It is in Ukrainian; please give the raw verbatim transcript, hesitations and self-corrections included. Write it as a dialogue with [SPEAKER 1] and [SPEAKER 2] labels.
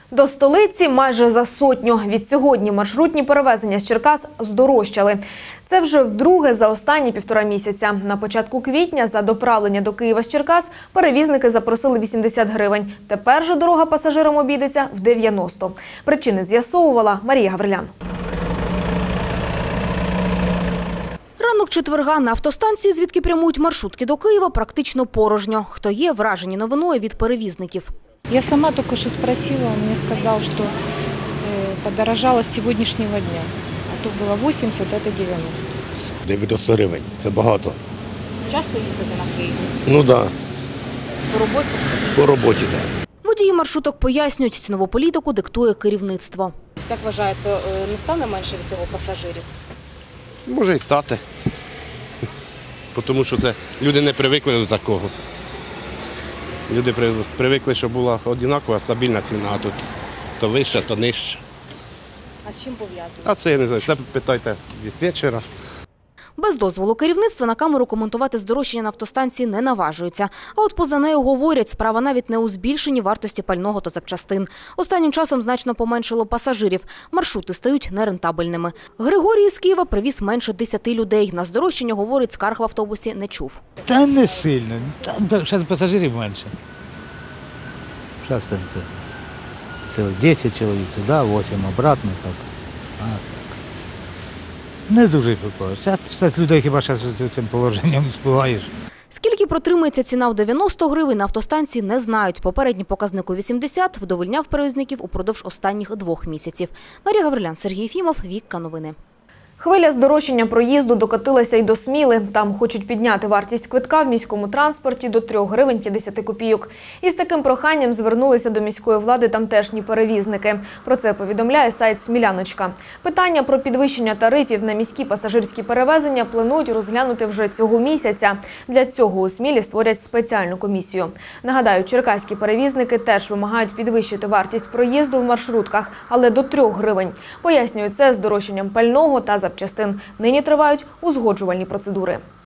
[SPEAKER 1] До столиці майже за сотню. Відсьогодні маршрутні перевезення з Черкас здорожчали. Це вже вдруге за останні півтора місяця. На початку квітня за доправлення до Києва з Черкас перевізники запросили вісімдесят гривень. Тепер же дорога пасажирам обійдеться в дев'яносто. Причини з'ясовувала Марія Гаврилян.
[SPEAKER 2] Ранок четверга на автостанції, звідки прямують маршрутки до Києва, практично порожньо. Хто є, вражені новиною від перевізників.
[SPEAKER 3] Я сама только что спросила, он мне сказал, что подорожало с сегодняшнего дня. А то было вісімдесят, это дев'яносто.
[SPEAKER 4] дев'яносто гривень – це багато.
[SPEAKER 2] Часто їздите на Київ?
[SPEAKER 4] Ну так, да.
[SPEAKER 2] По роботі?
[SPEAKER 4] По роботі, так. Да.
[SPEAKER 2] Водії маршруток пояснюють, цінову політику диктує керівництво.
[SPEAKER 5] Як вважаєте, не стане менше від цього пасажирів?
[SPEAKER 6] Може і стати. Тому що це люди не привикли до такого. Люди привикли, щоб була однакова, стабільна ціна, а тут то вища, то нижча.
[SPEAKER 5] А з чим пов'язано?
[SPEAKER 6] А це я не знаю, це питайте диспетчера.
[SPEAKER 2] Без дозволу керівництва на камеру коментувати здорожчання на автостанції не наважуються. А от поза нею говорять, справа навіть не у збільшенні вартості пального та запчастин. Останнім часом значно поменшило пасажирів. Маршрути стають нерентабельними. Григорій з Києва привіз менше десяти людей. На здорожчання, говорить, скарг в автобусі не чув.
[SPEAKER 7] Та не сильно. Зараз пасажирів менше. Зараз це цілих десять чоловік туди, вісім обратно. Так. А, так. Не дуже випадково. Зараз людей хіба зараз з цим положенням співаєш.
[SPEAKER 2] Скільки протримається ціна в дев'яносто гривень, на автостанції не знають. Попередній показник у вісімдесят вдовольняв перевізників упродовж останніх двох місяців. Марія Гаврилян, Сергій Єфімов, Вікка Новини.
[SPEAKER 1] Хвиля здорожчання проїзду докотилася й до Сміли. Там хочуть підняти вартість квитка в міському транспорті до трьох гривень п'ятдесят копійок. Із таким проханням звернулися до міської влади тамтешні перевізники. Про це повідомляє сайт «Сміляночка». Питання про підвищення тарифів на міські пасажирські перевезення планують розглянути вже цього місяця. Для цього у Смілі створять спеціальну комісію. Нагадаю, черкаські перевізники теж вимагають підвищити вартість проїзду в маршрутках, але до трьох гривень. Пояснюють це здорожчанням пального та запчастин. Нині тривають узгоджувальні процедури.